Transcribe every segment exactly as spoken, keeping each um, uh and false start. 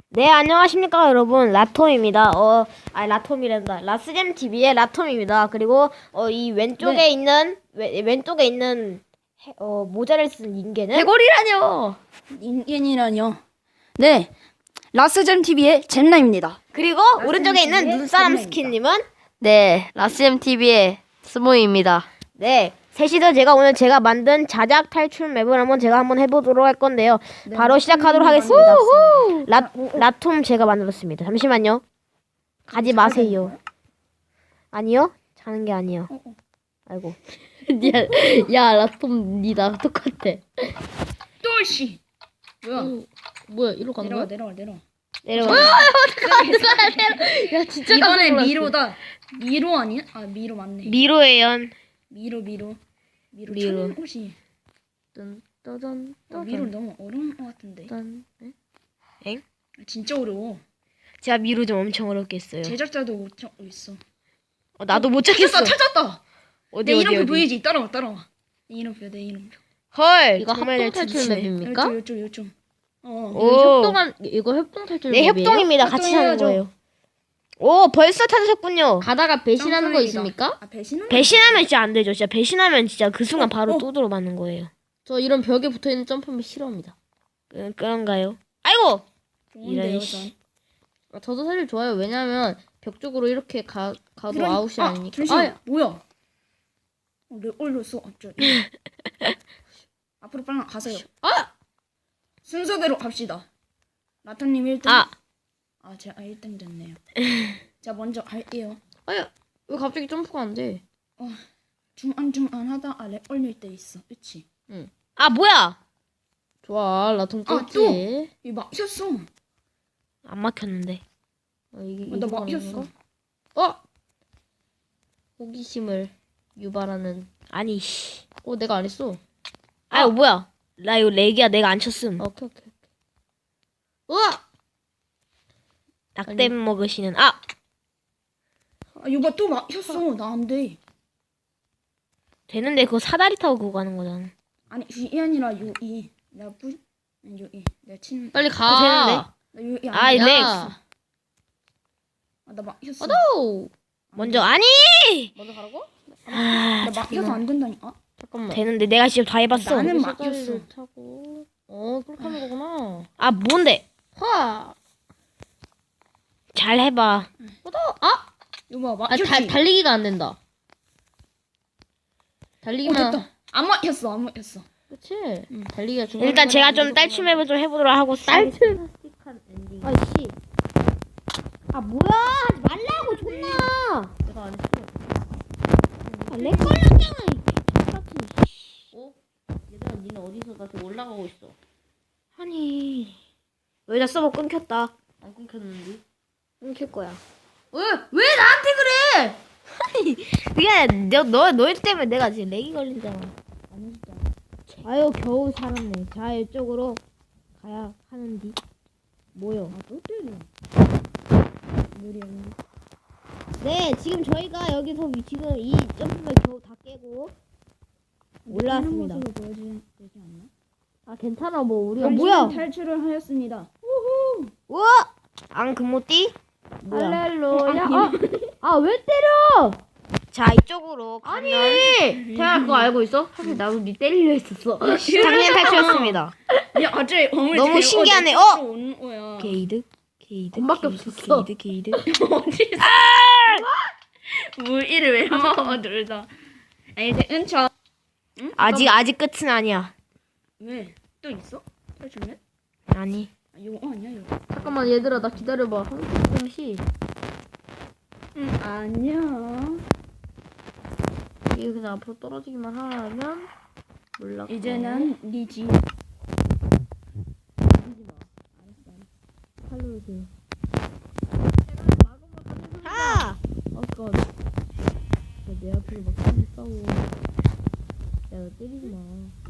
네, 안녕하십니까, 여러분. 라톰입니다. 어, 아니, 라톰이란다. 라스잼티비의 라톰입니다. 그리고, 어, 이 왼쪽에 네. 있는, 왼, 왼쪽에 있는, 해, 어, 모자를 쓴 인간은? 해골이라뇨. 인간이라뇨. 네, 라스잼 티비의 잼나입니다. 그리고, 오른쪽에 있는 TV의 눈사람 잼나입니다. 스킨님은? 네, 라스엠 티비의 스모입니다. 네, 셋이서 제가 오늘 제가 만든 자작 탈출 맵을 한번 제가 한번 해보도록 할 건데요. 네, 바로 시작하도록 하겠습니다. 라, 라톰 제가 만들었습니다. 잠시만요. 가지 마세요. 아니요? 자는 게 아니요. 아이고. 야, 야, 라톰 니랑 똑같아. 또씨. 뭐야? 뭐야, 이리로 가는 내려와 거야? 내려와 내려와. 내려가. 야, 진짜 이번에 깜짝 놀랐어. 미로다. 미로 아니야? 아 미로 맞네. 미로예요. 미로 미로. 미로. 미로. 천옷이. 딴, 따단, 어, 미로 너무 어려운 것 같은데. 따단. 에? 엥? 진짜 어려워. 제가 미로 좀 엄청 어렵게 했어요. 제작자도 못 찾고 있어. 어, 나도 못 찾겠어. 찾았다 찾았다. 어디 내 어디 이름표 어디. 보이지? 따라와 따라와. 내 이름표 내 이름표. 헐. 이거 정말 합동 잘 탈출 찾으시네. 맵입니까? 요쪽 요쪽 요쪽. 어. 오. 이거 협동한, 이거 협동 탈출 네, 맵이에요? 협동입니다. 같이 하는 협동해야죠. 거예요. 오, 벌써 찾으셨군요. 가다가 배신하는 거 짱소리가. 있습니까? 아 배신은? 배신하면 진짜 안 되죠. 진짜 배신하면 진짜 그 순간 어, 바로 어. 또들어 맞는 거예요. 저 이런 벽에 붙어있는 점프맵 싫어합니다. 그, 그런가요? 아이고! 좋은데요, 이런 전. 씨. 아, 저도 사실 좋아요. 왜냐면 벽 쪽으로 이렇게 가, 가도 그러니- 아웃이 아, 아니니까. 잠시만. 아, 뭐야? 어, 내 올렸어. 어쩌지? 앞으로 빨리 가세요. 아! 순서대로 갑시다. 라타님 일 등. 아! 아, 제가 일 등 됐네요. 자, 먼저 갈게요. 아야, 왜 갑자기 점프가 안 돼? 중안중안하다 아래 올릴 때 있어. 그치? 아, 뭐야! 좋아, 라톰 아, 깼지. 또! 이 막혔어. 안 막혔는데. 어, 이게, 어, 나 이거 막혔어. 가는 건가? 어! 호기심을 유발하는. 아니, 씨. 어, 내가 안 했어. 아유, 뭐야. 나 이거 렉이야. 내가 안 쳤음. 어, 오케이, 오케이, 오케이. 우와! 낙댐 먹으시는, 아! 아, 이거 또 막혔어. 나 안 돼. 되는데 그거 사다리 타고 그거 가는 거잖아. 아니, 이 아니라 요 이. 내가 뿌, 아니, 요 이. 내가 친. 빨리 어, 가! 되는데? 나 요 이. 아이, 안 돼. 렉. 야! 아, 나 막혔어. 어도! 먼저, 아니! 먼저 가라고? 아, 나 막혀서 안 된다니까. 잠깐만. 되는데 내가 직접 다 해봤어. 나는 여기 막혔어. 사다리를 타고. 어, 그렇게 하는 거구나. 아, 뭔데? 화! 잘 해봐. 어도! 아! 이거 봐, 아, 막혔지. 달, 달리기가 안 된다. 어, 달리기만. 됐다. 안 막혔어, 안 막혔어. 그치? 달리기가 중요한 일단 거는 제가 좀 무조건 딸춤 맵을 좀 해보도록 하고. 딸춤? 아이씨. 아, 뭐야. 하지 말라고, 존나. 내가 안 했어. 아, 렉 걸렸잖아. 이 같은. 어? 얘들아, 니는 어디서 나 지금 올라가고 있어. 아니. 여기다 서버 끊겼다. 안 끊겼는데? 끊길 거야. 왜? 왜 나한테 그래? 그게 너, 너, 너희 때문에 내가 지금 렉이 걸린잖아. 아유, 겨우 살았네. 자, 이쪽으로 가야 하는디. 뭐요? 아, 또 때려. 느리 언니. 네, 지금 저희가 여기서 위- 지금 이 점프를 겨우 다 깨고 올라왔습니다. 모습을 보여주면 되지 않나? 아, 괜찮아. 뭐 우리가 당신은 뭐야? 탈출을 하였습니다. 우와! 앙 금모띠? 뭐야? 할렐루야. 아, 아, 왜 때려? 자, 이쪽으로 가면 태아 그거 알고 있어? 사실 나도 니 때리려 했었어. 당연 탈출했습니다. 야, 어째 어머니 너무 데리고 신기하네. 어디 어! 오는 거야. 게이드? 게이드? 엄마밖에 게이드, 없었어. 게이드, 게이드. 어디서? 물 이를 왜 먹어 둘 다. 아니, 이제 은처. 응? 아직 아직 끝은 아니야. 왜? 또 있어? 탈출맨? 아니. 아, 이거 아니야 이거. 잠깐만 얘들아 나 기다려봐. 한시 응, 아니야. 이게 그냥 앞으로 떨어지기만 하면 몰라. 이제는 네 집. 살려주세요. 아! 아까 내 앞으로 막 싸우 싸워. 야, 나 때리지 마.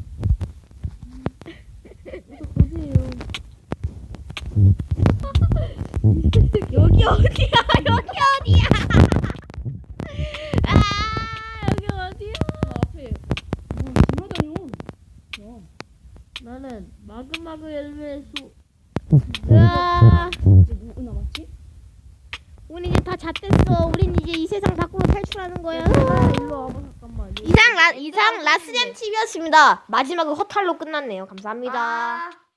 저 거지예요. 여기 어디야? 여기 어디야? 아! 여기 어디야? 나 앞에 뭐 지나다녀. 야. 나는 마그마그 열매수. 으아! 다 잣됐어. 우린 이제 이 세상 밖으로 탈출하는 거야. 일로 와봐 잠깐만. 이상 라 이상 라스젠 티비였습니다. 마지막은 허탈로 끝났네요. 감사합니다. 아.